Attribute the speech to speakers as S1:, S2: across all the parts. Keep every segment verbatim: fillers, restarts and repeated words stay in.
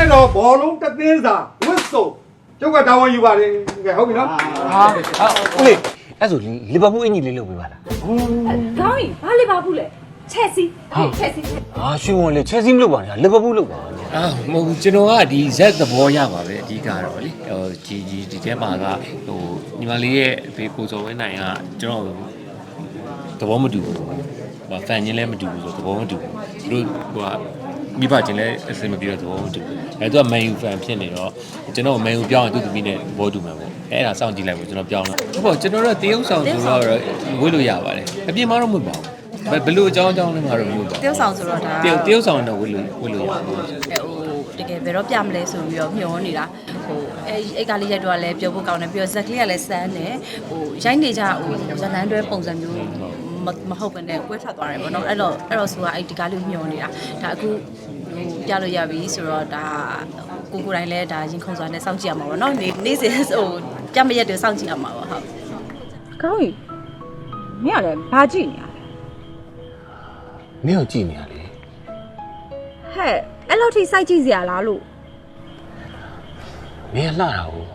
S1: က်တော့ဘောလုံးတသင်းစာဝစ်စုံကျုပ်ကတာဝန်ယူပါတယ်ကဲဟုတ်ပြီနော်ဟာ
S2: ဦးလေးအဲ့ဆိုလီဗာပူးအင်ကြီးလေးလုပ်ပေးပါလား
S3: ခေါင်းကြီးဘာလီဗာပူးလဲချက်စီချက်စီ
S2: ဟာရွှေဝန်လေချက်စီမလုပ်ပါနဲ့လီဗာပူးလုပ်ပါ
S4: အာမဟုတ်ဘူးကျွန်တော်ကဒီဇက်သဘောရပါပဲအဓိကတော့လေဟိုဒီဒီဒီထဲမှာကဟိုညီမလေးရဲ့အဖေကိုစောဝင်းနိုင်ကကျွန်တော်သဘောမတူဘူးဟိုဖန်ချင်းလည်းမတူဘူးဆိုသဘောမတူဘူးသူတို့ဟိုကမိဘချင်းလည်းအစင်မပြေတော့သဘောမတူဘူးအဲသူကမန်ယူဖန်ဖြစ်နေတော့ကျွန်တော်မန်ယူပြောင်းရင်သူ့သမီးနဲ့သဘောတူမှာပေါ့အဲအဲ့ဒါစောင့်ကြည့်လိုက်ဖို့ကျွန်တော်ပြောင်းလာဟုတ်ပေါ့ကျွန်တော်တို့တရုပ်ဆောင်ဆိုတော့ဝေးလို့ရပါတယ်အပြင်မှာတော့မဟုတ်ပါဘူးဘယ်လိုအကြောင်းအကြောင်းလဲမှာတော့မဟုတ်ပါဘူး
S3: တရုပ်ဆောင်ဆိုတော့ဒါ
S4: တရုပ်တရုပ်ဆောင်တော့ဝေးလို့ဝေးလို့ရပါတယ်ဟို
S3: တကယ်ဘယ်တော့ပြမလဲဆိုပြီးတော့မျောနေတာဟိုအဲအိတ်ကလေးရိုက်တော့လည်းပြောဖို့ကောင်းတယ်ပြီးတော့ဇက်ကလေးကလည်းစမ်းတယ်ဟိုရိုက်နေကြဟိုဇလန်းတွဲပုံစံမျိုးမဟုတ်ဘဲနဲ့ကွဲထွက်သွားတယ်ပေါ့နော်အဲ့တော့အဲ့တော့ဆိုတာအဲ့ဒီကားလေးမျောနေတာဒါအခုဟိုပြလို့ရပြီဆိုတော့ဒါကိုကိုတိုင်းလည်းဒါရင်ခုန်စွာနဲ့စောင့်ကြည့်ရမှာပေါ့နော်နေ့နေ့စဉ်ဟိုပြမရက်တွေစောင့်ကြည့်ရမှာပေါ့ဟုတ်
S5: ကောင်းပြီမင်းကလည်းဘာကြည့်နေရလဲ
S2: မင်းကိုကြည့်နေရလေ
S5: ဟဲ့အဲ့လောက်ထိစိုက်ကြည့်စရာလားလို့
S2: မင်းလှတာဟုတ်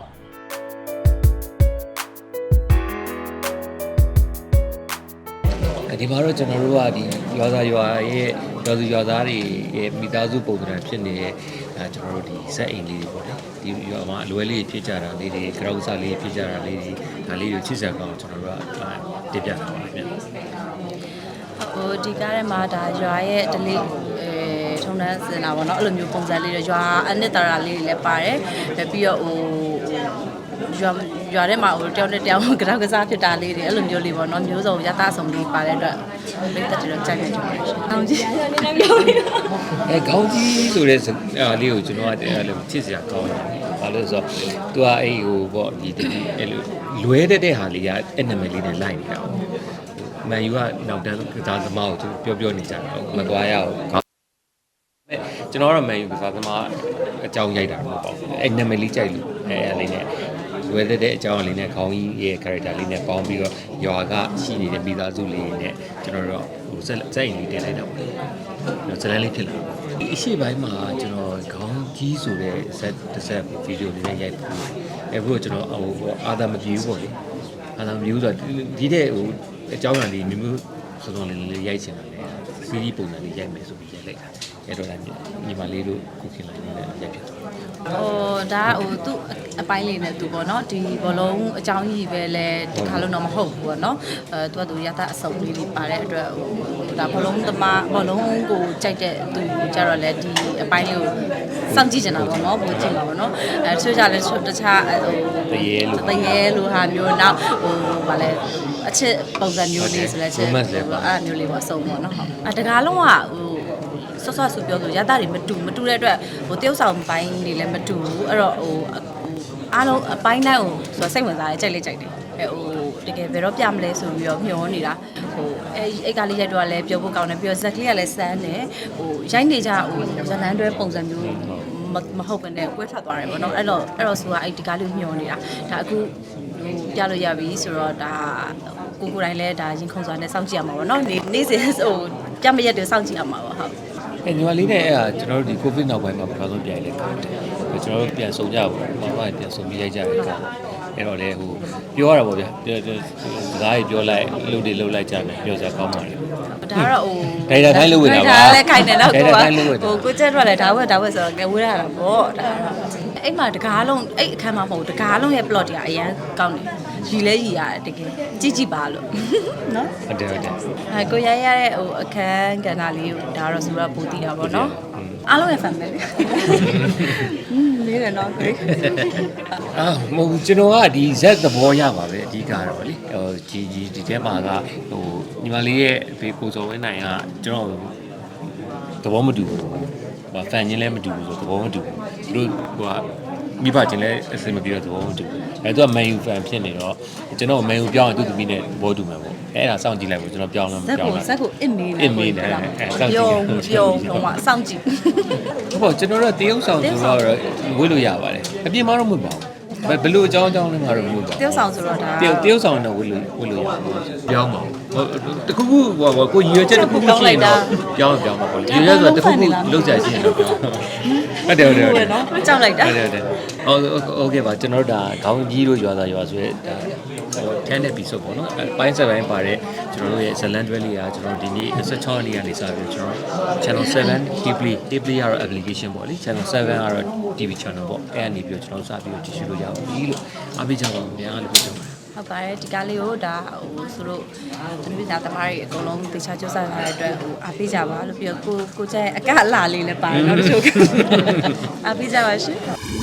S4: ဒီမှာတော့ကျွန်တော်တို့ကဒီရွာသားရွာရဲ့ရွာသူရွာသားတွေရဲ့မိသားစုပုံစံဖြစ်နေတဲ့အဲကျွန်တော်တို့ဒီဇက်အိမ်လေးတွေပေါ့လေဒီရွာမှာအလွယ်လေးဖြစ်ကြတာလေးတွေကြောက်စားလေးဖြစ်ကြတာလေးတွေဒါလေးတွေချစ်စရာကောင်းကျွန်တော်တို့ကတင်ပြတာပါဗျ
S3: ဟိုဒီကားထဲမှာဒါရွာရဲ့ဒလေးအဲထုံတန်းစင်တာပေါ့နော်အဲ့လိုမျိုးပုံစံလေးတွေရွာအနှစ်သာရလေးတွေလည်းပါတယ်ပြီးတော့ဟိုရွာရွာထဲမှာဟိုတယောက်နဲ့တယောက်ကတောက်ကစားဖြစ်တာလေးတွေအဲ့လိုမျိုးလေးပေါ့နော်မျိုးစုံရသားစုံလေးပါတဲ့အတွက်မိသက်တွေတော့ကြိုက်နေတယ်။ကောင်းကြီးနည်းနည်းပြောပြီးတော့
S4: အဲကောင်းကြီးဆိုတဲ့အားလေးကိုကျွန်တော်ကအဲ့လိုချစ်စရာကောင်းတယ်။ဘာလို့ဆိုတော့ तू ကအဲ့ဟိုပေါ့ဒီအဲ့လိုလွဲတဲ့တဲ့ဟာလေးကအဲ့နာမည်လေးနဲ့လိုက်နေတာ။မန်ယူကနောက်တန်းကစားသမားကိုသူပြောပြောနေကြတာ။မသွားရအောင်။ကျွန်တော်ကတော့မန်ယူကစားသမားအကြောင်းရိုက်တာမဟုတ်ပါဘူး။အဲ့နာမည်လေးကြိုက်လို့အဲ့အဲ့လေးနဲ့ဝယ်တဲ့အကြောင်းအလေးနဲ့ခေါင်းကြီးရဲ့ character လေးနဲ့ပေါင်းပြီးတော့ရွာကရှိနေတဲ့မိသားစုလေးနဲ့ကျွန်တော်တို့ဟိုစက်စက်အိမ်လေးတင်လိုက်တော့ဇလန်းလေးဖြစ်လာအရှိပိုင်းမှာကျွန်တော်ခေါင်းကြီးဆိုတဲ့ဇက်တစ်ဆက်ဗီဒီယိုလေးနဲ့ရိုက်ပြီးအဲဘို့ကျွန်တော်ဟိုအာသာမပြေဘူးပေါ့လေအာသာမပြေဘူးဆိုတော့ဒီတဲ့ဟိုအကြောင်းအရာလေးမျိုးစုံစုံလေးလေးရိုက်ချင်တယ်စီးရီးပုံစံလေးရိုက်မယ်ဆိုပြီးရိုက်လိုက်တာအဲ့တော့လည်းညီမလေးတို့ခုခင်လိုက်နေတဲ့ရိုက်ဖြစ်သွား
S3: ဟိုဒါဟိုသူ့အပိုင်းလေးနဲ့သူပေါ့နော်ဒီဘောလုံးအကြောင်းကြီးပဲလဲဒီခါလုံးတော့မဟုတ်ဘူးပေါ့နော်အဲသူကသူရတာအစုံလေးတွေပါတဲ့အတွက်ဟိုဒါဘောလုံးသမားဘောလုံးကိုကြိုက်တဲ့သူကြတော့လဲဒီအပိုင်းလေးကိုစောင့်ကြည့်နေတာပေါ့နော်ပိုကြည့်မှာပေါ့နော်အဲဆွေးကြလဲတခြားဟို
S4: တရေလို့
S3: တရေလို့ဟာမျိုးနောက်ဟိုဗာလဲအချစ်ပုံစံမျိုးလေးဆိုလဲချစ်အဲ့မျိုးလေးပေါ့အစုံပေါ့နော်ဟုတ်အဲတကားလုံးကဟိုဆော့ဆော့ဆူပြောလို့ရတာတွေမတူမတူတဲ့အတွက်ဟိုတယောက်ဆောင်ပိုင်းတွေလည်းမတူဘူးအဲ့တော့ဟိုအားလုံးအပိုင်းတိုင်းကိုဆိုစိတ်ဝင်စားတယ်ကြိုက်လေးကြိုက်တယ်အဲဟိုတကယ်ဘယ်တော့ပြမလဲဆိုပြီးတော့မျောနေတာဟိုအဲအိတ်ကလေးရိုက်တော့လည်းပြောဖို့ကောင်းတယ်ပြီးတော့ဇက်ကလေးကလည်းစမ်းတယ်ဟိုရိုက်နေကြဟိုဇလန်းတွဲပုံစံမျိုးမဟုတ်ဘဲနဲ့ကွဲထွက်သွားတယ်ပေါ့နော်အဲ့တော့အဲ့တော့ဆိုတာအဲ့ဒီကားလေးမျောနေတာဒါအခုဟိုပြလို့ရပြီဆိုတော့ဒါကိုကိုတိုင်းလည်းဒါရင်ခုန်စွာနဲ့စောင့်ကြည့်ရမှာပေါ့နော်နေ့နေ့စဉ်ဟိုပြမရက်တွေစောင့်ကြည့်ရမှာပေါ့ဟုတ်
S4: အဲညီမလေးနဲ့အဲ့ဒါကျွန်တော်တို့ဒီ covid နောက်ပိုင်းမှာပထမဆုံးပြန်လဲကောင်းတယ်ကျွန်တော်တို့ပြန်ဆုံကြပါဘူးမမပြန်ဆုံပြီးရိုက်ကြတယ်ကောင်းအဲ့တော့လေဟိုပြောရတာပေါ့ဗျာစကားကြီးပြောလိုက်လှုပ်တွေလှုပ်လိုက်ကြတယ်ပြောစရာကောင်းပါတယ်
S3: ဒါကတော့ဟို
S4: ဒိုင်တာတိုင်းလုပ်ဝေးတာပါ
S3: ဒါလည်းခိုင်တယ်တော့ကိုကဟိုကိုကျက်တော့လည်းဒါဝက်ဒါဝက်ဆိုတော့ကဲဝေးရတာပေါ့ဒါအဲ့မှာတကားလုံးအဲ့အခန်းမှာမဟုတ်တကားလုံးရဲ့ plot တွေကအရန်ကောင်းတယ်ရီလဲရီရတယ်တကယ်ကြည့်ကြည့်ပါလို့နော်
S4: ဟုတ်တယ်ဟုတ်တယ်
S3: အဲကိုရိုက်ရတဲ့ဟိုအခန်းကဏ္ဍလေးကိုဒါတော့ဆိုတော့ပိုတည်တာပေါ့နော်အားလုံးရဲ့ family อืมလေးတယ်နော်ကို
S4: အာမဟုတ်ကျွန်တော်ကဒီဇက်သဘောရပါပဲအဓိကတော့လေဟိုဒီဒီဒီထဲမှာကဟိုညီမလေးရဲ့အဖေကိုစောဝင်းနိုင်ကကျွန်တော်သဘောမတူဘူးဟိုဖန်ချင်းလည်းမတူဘူးဆိုသဘောမတူဘူးသူတို့ဟိုကမိဘချင်းလည်းအစင်မပြေတော့သဘောမတူဘူးအဲသူကမန်ယူဖန်ဖြစ်နေတော့ကျွန်တော်မန်ယူပြောင်းရင်သူ့သမီးနဲ့သဘောတူမှာပေါ့အဲအဲ့ဒါစောင့်ကြည့်လိုက်ဖို့ကျွန်တော်ပြောင်းလို့မပြောင်း
S3: လားဇက်ကိုအစ်မေး
S4: တယ်အစ်မေးတယ်အဲစောင့်ကြည့်
S3: ပြုံးပြုံးဟိုမှာစောင့်ကြည့်
S4: ဟုတ်ပါကျွန်တော်တို့တရုပ်ဆောင်ဆိုတော့ဝေးလို့ရပါတယ်အပြင်မှာတော့မဟုတ်ပါဘူးဘယ်လိုအကြောင်းအကြောင်းလဲမှာတော့မဟုတ်ပါဘူး
S3: တရုပ်ဆောင်ဆိုတော့ဒါ
S4: တရုပ်တရုပ်ဆောင်တော့ဝေးလို့ဝေးလို့ရပြောင်းပါတခုခုဟိုကိုရည်ရွယ်ချက်တခုခုရှိရင်တော့ပြောင်းပြောင်းပါပေါ့ရည်ရွယ်ဆိုတခုခုလောက်ကြရှိရင်တော့ပြောင်းဟုတ်တယ်ဟုတ်တယ်ဟုတ်တယ်
S3: နော်ကြောက်လိုက်တာ
S4: ဟုတ်တယ်ဟုတ်တယ်ဟုတ်โอเคပါကျွန်တော်တို့ဒါခေါင်းကြီးတို့ရွာသားရွာဆိုရဲဒါten episode ပေါ့နော်ပိုင်းဆက်ပိုင်းပါတဲ့ကျွန်တော်တို့ရဲ့ဇလန်တွဲလေးကကျွန်တော်ဒီနေ့twenty-sixရက်နေ့နေစပြီးကျွန်တော် channel seven Hiply Hiply ကတော့ application ပေါ့လေ channel sevenကတော့ တီဗီ channel ပေါ့အဲ့အနေပြီးကျွန်တော်စပြီးကြည့်ရှုလို့ရပါပြီလို့အားပေးကြပါဦးများလို့ပြောပါတယ်
S3: ဟုတ်ပါတယ်ဒီကားလေးကိုဒါဟိုဆိုတော့သမီးသားသမားတွေအကုန်လုံးတေချာကြိုးစားထားတဲ့အတွက်ဟိုအားပေးကြပါလို့ပြီးတော့ကိုကိုကျရဲ့အကအလှလေးလည်းပါတယ်နော်တချို့အားပေးကြပါရှင်